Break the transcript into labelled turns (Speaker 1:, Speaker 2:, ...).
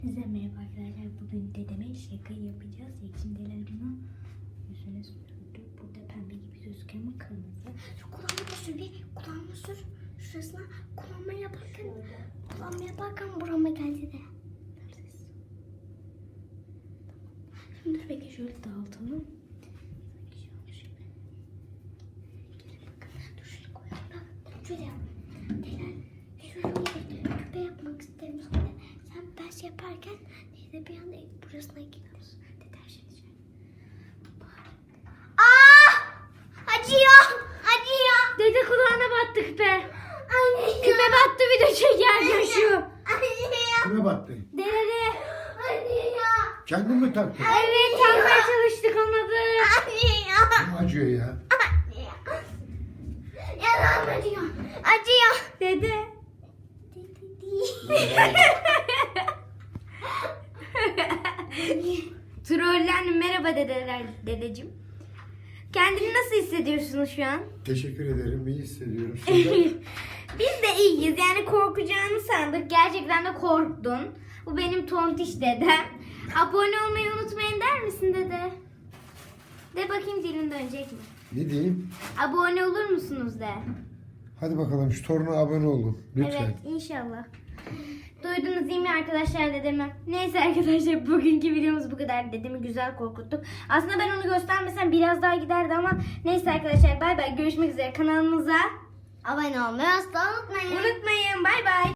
Speaker 1: Size merhaba arkadaşlar. Bugün dedeme şaka yapacağız. Ekşindeler bunu yüzüne sürdü. Burada pembe gibi gözüküyor ama kırmızı. Şu kulağıma sür bir. Kulağıma sür. Şurasına kulağıma yaparken burama geldi de. Şimdi dur bekle şöyle dağıtalım. Dur şöyle koyalım. Şöyle yap. Şöyle küpe yapmak istemiştim de. Sen ben yaparken neyse bir anda burasına gidiyoruz. Deterjan içelim. Acıyor. Acıyor. Dede kulağına battı küpe. Anne. Küpe battı bir de çeker şu. Anne.
Speaker 2: Kime battı?
Speaker 1: Dede. Anne ya.
Speaker 2: Kendin mi taktın?
Speaker 1: Evet takmaya çalıştık olmadı. Anne ya.
Speaker 2: Kim acıyor ya?
Speaker 1: Anne ya. Yanağım acıyor. Acıyor. Dede. Trollendim. Merhaba dedeciğim. Kendini nasıl hissediyorsunuz şu an?
Speaker 2: Teşekkür ederim. İyi hissediyorum. Sizler?
Speaker 1: Biz de iyiyiz. Yani korkacağını sandık. Gerçekten de korktun. Bu benim tontiş dedem. Abone olmayı unutmayın der misin dede? De bakayım dilin dönecek mi?
Speaker 2: Ne diyeyim?
Speaker 1: Abone olur musunuz de?
Speaker 2: Hadi bakalım şu toruna abone olun. Lütfen.
Speaker 1: Evet inşallah. Duydunuz değil mi arkadaşlar dedemi? Neyse arkadaşlar bugünkü videomuz bu kadar. Dedemi güzel korkuttuk. Aslında ben onu göstermesem biraz daha giderdi ama neyse arkadaşlar bay bay. Görüşmek üzere kanalımıza. Abone olmayı asla unutmayın. Unutmayın bay bay.